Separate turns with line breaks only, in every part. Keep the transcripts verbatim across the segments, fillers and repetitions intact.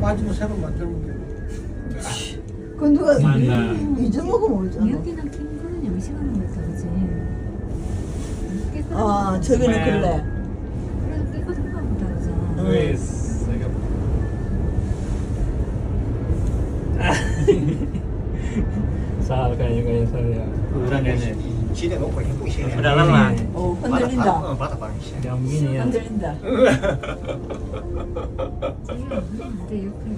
빠지고 새로 만들면 돼.
그 누가
맞나.
잊어먹으면 오잖아.
여기는 캥거루는 영시하는 것 같다, 그치? 깨끗한
아,
거.
저기는
네.
그래.
그래도 깨끗한 거 보다, 그죠?
Luis. Sao kayak kayak saya. Udah nenek.
지대 놓고 힘고 있어야
Udah lama.
어,
바닥
흔들린다.
어, 바닥 바닥 있어.
Yang gini ya.
흔들린다.
저기는 안 돼, 옆에.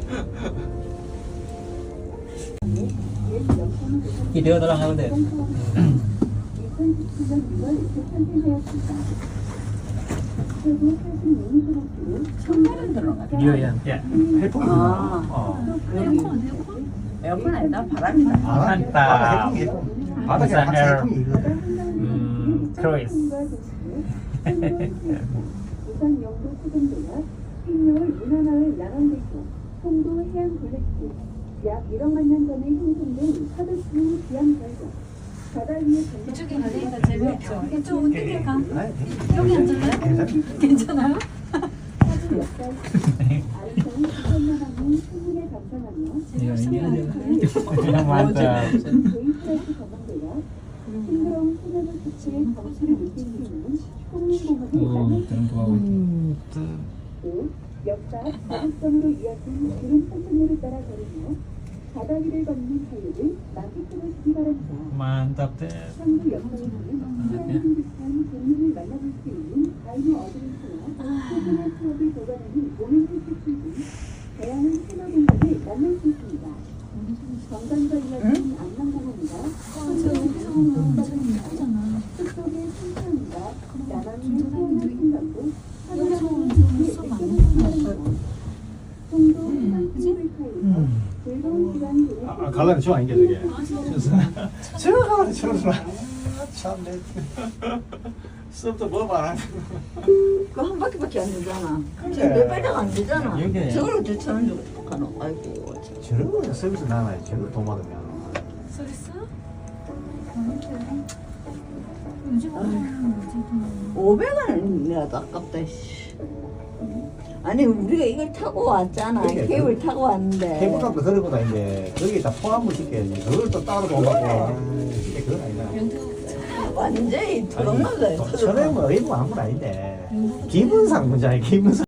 Video tolong aku deh.
천만원 들어가.
Video ya. Ya.
해풍이
아.
어.
여기
에어컨, 에어컨?
에어컨 아니다. 바람이다.
바닥, 바닥 해풍이 해풍. 바닥에
Bisa
항상
air.
해풍이 있거든.
Hmm, cruise.
부산 영도 수금도와 흰여울 문화마을 양원대교, 송도 해양 블랙길, 약 일억만 년 전에 형성된 서득수 기암 절벽, 바다 위에
이쪽에 가니까 재미없죠? 이쪽 어떻게 가?
아이,
여기 앉을래?
괜찮아.
괜찮아요?
사주 역사 아름다운 구천만 왕의 풍문에 감상하며
Ya ini
재미없으면
aja. Mantap.
데이트라스 전망대와 싱그러운 소나무 숲의 정취를 느낄 수 있는 홍림공원을
Oh,
만날
tentu aku.
또 역사 자극성으로 이어진 구름 선천로를 따라 걸으며 바다 위를 걷는 자유를 만끽해보시기 바랍니다.
Mantap deh.
한국 역사에서는 희한한 듯한 동물을 만나볼 수 있는 다이노 어드벤처와 소중한 추억을 보관하는 오렌지 캐슬 등 다양한 테마 공간을 만날 수 있습니다. 건강과 이어진 안남공원과
예쁘잖아.
숲속의 sun천과 나만의 소원을 생각고
여기서 수업 안
송도 해상케이블카에서 즐거운 시간 보내시기
아, 갈라면 좋아 이게 저게. 저거 가면 저거 참내. 수업도 뭐 말아.
그거 한 바퀴밖에 안 되잖아. 지금 몇 발짝 안 되잖아.
여기.
저걸 어떻게 천원 주고 가노? 아이고, 참.
저런 거 서비스 나와요. 저런 돈 받으면.
서비스? 요즘 하는 거지.
오백 원은 내가 더 아깝다, 씨. 아니, 우리가 이걸 타고 왔잖아.
그게
케이블 타고 왔는데.
케이블카도 그러보다 이제 거기다 포함을 시켜야지. 그걸 또 따로 돈 받고. 이게 그건 아니다.
완전히 도망가요.
천에 뭐 의무 아무건 아닌데 기분상 문제야 기분상.